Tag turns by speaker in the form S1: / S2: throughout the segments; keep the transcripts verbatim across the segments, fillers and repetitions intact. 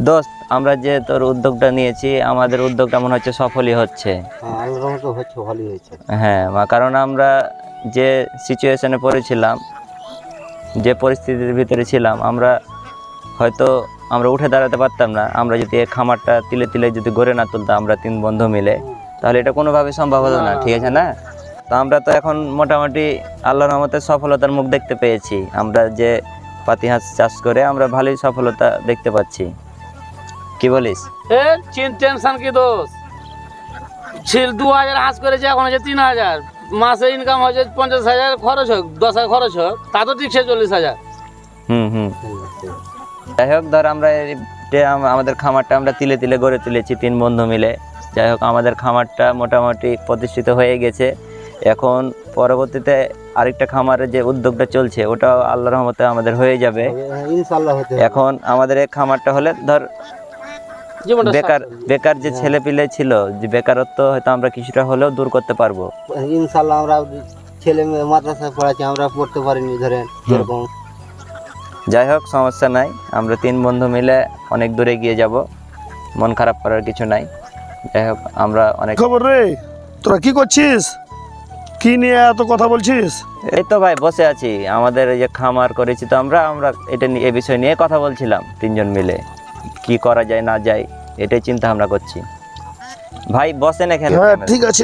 S1: দোস্ত, আমরা যে তোর উদ্যোগটা নিয়েছি, আমাদের উদ্যোগটা মনে হচ্ছে সফলই হচ্ছে। হ্যাঁ, কারণ আমরা যে সিচুয়েশনে পড়েছিলাম, যে পরিস্থিতির ভিতরে ছিলাম, আমরা হয়তো আমরা উঠে দাঁড়াতে পারতাম না। আমরা যদি এই খামারটা তিলে তিলে যদি গড়ে না তুলতাম আমরা তিন বন্ধু মিলে, তাহলে এটা কোনোভাবে সম্ভব হতো না। ঠিক আছে না? তো আমরা তো এখন মোটামুটি আল্লাহর রহমতে সফলতার মুখ দেখতে পেয়েছি। আমরা যে পাতি হাঁস চাষ করে আমরা ভালোই সফলতা দেখতে পাচ্ছি। কি বলিস?
S2: এ চিন টেনশন কি দোষ, ছিল দু হাজার হাঁস করেছে, এখন হচ্ছে তিন হাজার। মাসে ইনকাম হচ্ছে পঞ্চাশ হাজার, খরচ হোক দশ হাজার খরচ হোক, তা তো ঠিক চল্লিশ হাজার।
S1: হুম হুম যাই হোক, ধর আমরা আমাদের খামারটা আমরা তিলে তিলে গড়ে তুলেছি তিন বন্ধু মিলে। যাই হোক, আমাদের খামারটা মোটামুটি প্রতিষ্ঠিত হয়ে গেছে। এখন পরবর্তীতে আরেকটা খামারের যে উদ্যোগটা চলছে, ওটাও আল্লাহর রহমতে আমাদের হয়ে যাবে ইনশাআল্লাহ। এখন আমাদের এই খামারটা হলে ধর বেকার বেকার যে ছেলে পিলে ছিল, যে বেকারত্ব হয়তো আমরা কিছুটা হলেও দূর করতে পারবো
S3: ইনশাআল্লাহ। আমরা ছেলে মেয়ে মাদ্রাসায় পড়াচ্ছি, আমরা পড়তে পারিনি ধরেন এরকম।
S1: যাই হোক, সমস্যা নাই, আমরা তিন বন্ধু মিলে অনেক দূরে গিয়ে যাব, মন খারাপ করার কিছু নাই। যাই হোক, আমরা অনেক
S4: খবর রে, তোরা কি করছিস? কি নিয়ে এত কথা বলছিস?
S1: এই তো ভাই বসে আছি, আমাদের এই যে খামার করেছি তো আমরা আমরা এটা নিয়ে, এই বিষয় নিয়ে কথা বলছিলাম তিনজন মিলে, কি করা যায় না যায় এটাই চিন্তা ভাবনা করছি। ভাই বসেন এখানে।
S4: হ্যাঁ ঠিক আছে।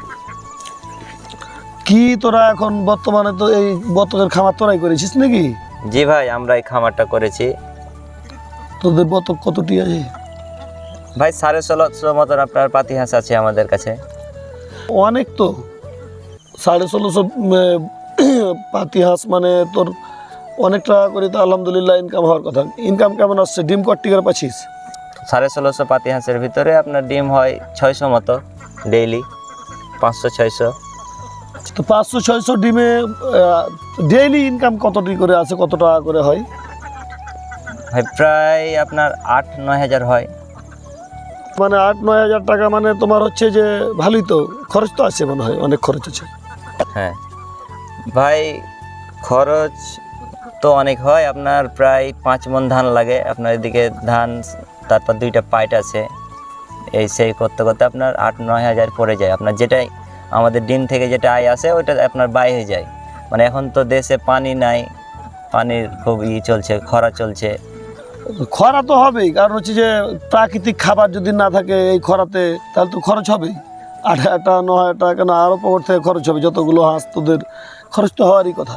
S4: কি তোরা এখন বর্তমানে তো এই বতকের খামার তোরাই করেছিস নাকি?
S1: জি ভাই, আমরা এই খামারটা করেছি।
S4: তোদের বতক কতটি আছে?
S1: ভাই সাড়ে ষোলোশো মতন আপনার পাতি হাঁস আছে আমাদের কাছে।
S4: অনেক তো, সাড়ে ষোলোশো পাতি হাঁস মানে তোর অনেক টাকা করে তো আলহামদুলিল্লাহ ইনকাম হওয়ার কথা। ইনকাম কেমন আসছে? ডিম কত টিকার পাচ্ছিস?
S1: সাড়ে ষোলোশো পাতি হাঁসের ভিতরে আপনার ডিম হয় ছয়শো মতো ডেইলি, পাঁচশো ছয়শো।
S4: তো পাঁচশো ছয়শো ডিমে ডেইলি ইনকাম কতটি করে আছে, কত টাকা করে হয়?
S1: ভাই প্রায় আপনার আট নয় হাজার হয়।
S4: মানে আট নয় হাজার টাকা মানে তোমার হচ্ছে যে ভালোই তো, খরচ তো আছে মনে হয়, অনেক খরচ আছে।
S1: হ্যাঁ ভাই, খরচ তো অনেক হয়। আপনার প্রায় পাঁচ মণ ধান লাগে আপনার এদিকে, ধান, তারপর দুইটা পাইট আছে, এই সেই করতে করতে আপনার আট নয় হাজার পড়ে যায়। আপনার যেটাই আমাদের ডিম থেকে যেটা আয় আসে ওইটা আপনার ব্যয় হয়ে যায়। মানে এখন তো দেশে পানি নাই, পানির খুব ই চলছে, খরা চলছে।
S4: খরা তো হবেই, কারণ হচ্ছে যে প্রাকৃতিক খাবার যদি না থাকে এই খরাতে, তাহলে তো খরচ হবেই। আট হাজার টাকা ন হাজার টাকা কেন, আরও পর থেকে খরচ হবে। যতগুলো হাঁস তোদের, খরচ তো হওয়ারই কথা।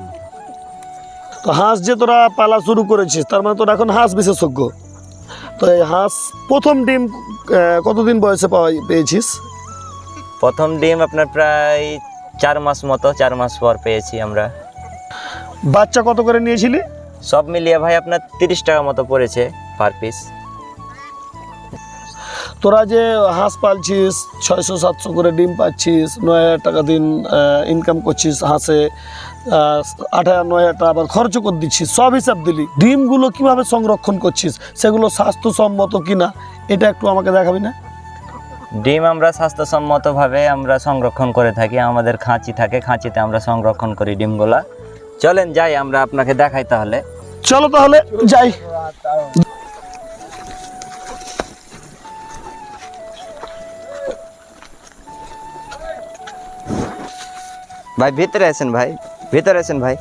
S4: তো হাঁস যে তোরা পালা শুরু করেছিস, তার মানে তোরা এখন হাঁস বিশেষজ্ঞ। তো এই হাঁস প্রথম ডিম কতদিন বয়সে পাওয়া পেয়েছিস?
S1: প্রথম ডিম আপনার প্রায় চার মাস মতো, চার মাস পর পেয়েছি আমরা।
S4: বাচ্চা কত করে নিয়েছিলি?
S1: সব মিলিয়ে ভাই আপনার তিরিশ টাকা মতো পড়েছে পার পিস।
S4: তোরা যে হাঁস পালছিস, ছয়শো সাতশো করে ডিম পাচ্ছিস, নয় হাজার টাকা দিন ইনকাম করছিস হাঁসে, আট হাজার নয় হাজার টাকা আবার খরচ করে দিচ্ছিস, সব হিসাব দিলি। ডিমগুলো কিভাবে সংরক্ষণ করছিস, সেগুলো স্বাস্থ্যসম্মত কিনা এটা একটু আমাকে দেখাবি না?
S1: ডিম আমরা স্বাস্থ্যসম্মতভাবে আমরা সংরক্ষণ করে থাকি। আমাদের খাঁচি থাকে, খাঁচিতে আমরা সংরক্ষণ করি ডিমগুলা। চলেন যাই, আমরা আপনাকে দেখাই তাহলে।
S4: চলো তাহলে যাই।
S1: ভাই ভিতরে আছেন, ভাই ভিতরে আছেন ভাই।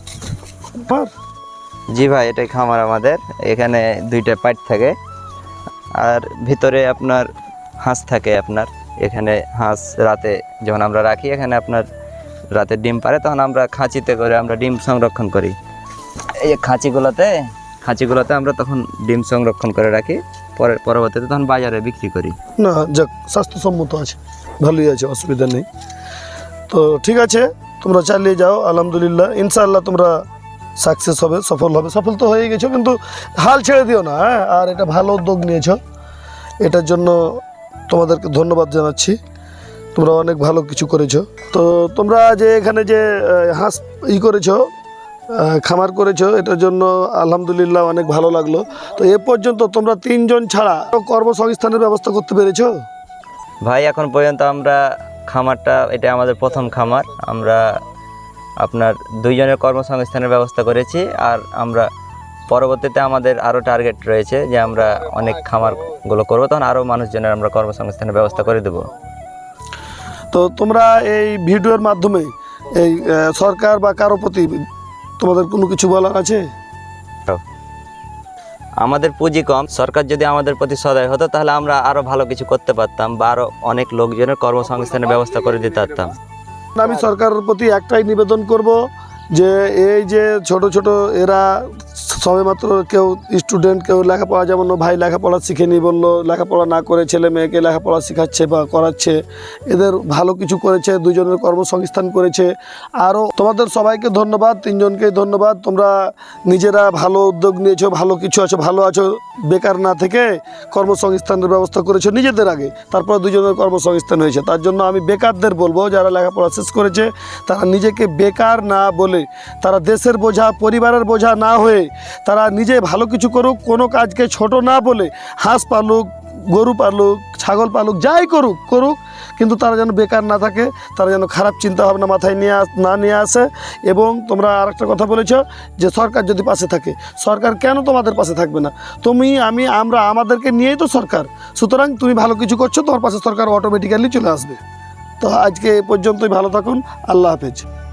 S1: জি ভাই, এটাই খামার আমাদের। এখানে দুইটা পাইট থাকে, আর ভিতরে আপনার হাঁস থাকে। আপনার এখানে হাঁস রাতে যখন আমরা রাখি, এখানে আপনার রাতে ডিম পারে, তখন আমরা খাঁচিতে করে আমরা ডিম সংরক্ষণ করি। এই যে খাঁচিগুলোতে খাঁচিগুলোতে আমরা তখন ডিম সংরক্ষণ করে রাখি, পরে পরবর্তীতে তখন বাজারে বিক্রি করি।
S4: না যাক, স্বাস্থ্যসম্মত আছে, ভালোই আছে, অসুবিধা নেই। তো ঠিক আছে, তোমরা চালিয়ে যাও, আলহামদুলিল্লাহ ইনশাআল্লাহ তোমরা সাকসেস হবে, সফল হবে। সফল তো হয়ে গেছো, কিন্তু হাল ছেড়ে দিও না। হ্যাঁ, আর এটা ভালো উদ্যোগ নিয়েছো, এটার জন্য তোমাদেরকে ধন্যবাদ জানাচ্ছি। তোমরা অনেক ভালো কিছু করেছো। তো তোমরা যে এখানে যে হাঁস ই করেছো, খামার করেছো, এটার জন্য আলহামদুলিল্লাহ অনেক ভালো লাগলো। তো এ পর্যন্ত তোমরা তিনজন ছাড়া কর্মসংস্থানের ব্যবস্থা করতে পেরেছো?
S1: ভাই এখন পর্যন্ত আমরা খামারটা, এটা আমাদের প্রথম খামার, আমরা আপনার দুইজনের কর্মসংস্থানের ব্যবস্থা করেছি। আর আমরা পরবর্তীতে আমাদের আরও টার্গেট রয়েছে যে আমরা অনেক খামারগুলো করবো, তখন আরও মানুষজনের আমরা কর্মসংস্থানের ব্যবস্থা করে দেবো।
S4: তো তোমরা এই ভিডিওর মাধ্যমে এই আহ, সরকার বা কারো প্রতি তোমাদের কোনো কিছু বলার আছে?
S1: আমাদের পুঁজি কম, সরকার যদি আমাদের প্রতি সদয় হতো তাহলে আমরা আরও ভালো কিছু করতে পারতাম বা আরও অনেক লোকজনের কর্মসংস্থানের ব্যবস্থা করে দিতে পারতাম।
S4: আমি সরকারের প্রতি একটাই নিবেদন করব যে এই যে ছোট ছোট এরা সবেমাত্র কেউ স্টুডেন্ট, কেউ লেখাপড়া, যেমন ও ভাই লেখাপড়া শিখেনি বললো, লেখাপড়া না করে ছেলে মেয়েকে লেখাপড়া শেখাচ্ছে বা করাচ্ছে, এদের ভালো কিছু করেছে, দুজনের কর্মসংস্থান করেছে। আরও তোমাদের সবাইকে ধন্যবাদ, তিনজনকেই ধন্যবাদ। তোমরা নিজেরা ভালো উদ্যোগ নিয়েছো, ভালো কিছু আছো, ভালো আছো, বেকার না থেকে কর্মসংস্থানের ব্যবস্থা করেছো নিজেদের আগে, তারপর দুজনের কর্মসংস্থান হয়েছে। তার জন্য আমি বেকারদের বলবো, যারা লেখাপড়া শেষ করেছে তারা নিজেকে বেকার না বলে, তারা দেশের বোঝা, পরিবারের বোঝা না হয়ে তারা নিজে ভালো কিছু করুক, কোনো কাজকে ছোট না বলে হাঁস পালুক, গরু পালুক, ছাগল পালুক, যাই করুক করুক, কিন্তু তারা যেন বেকার না থাকে, তারা যেন খারাপ চিন্তা ভাবনা মাথায় নিয়ে আস না নিয়ে আসে। এবং তোমরা আরেকটা কথা বলেছ যে সরকার যদি পাশে থাকে, সরকার কেন তোমাদের পাশে থাকবে না? তুমি, আমি, আমরা, আমাদেরকে নিয়েই তো সরকার। সুতরাং তুমি ভালো কিছু করছো, তোমার পাশে সরকার অটোমেটিক্যালি চলে আসবে। তো আজকে এ পর্যন্তই, ভালো থাকুন, আল্লাহ হাফেজ।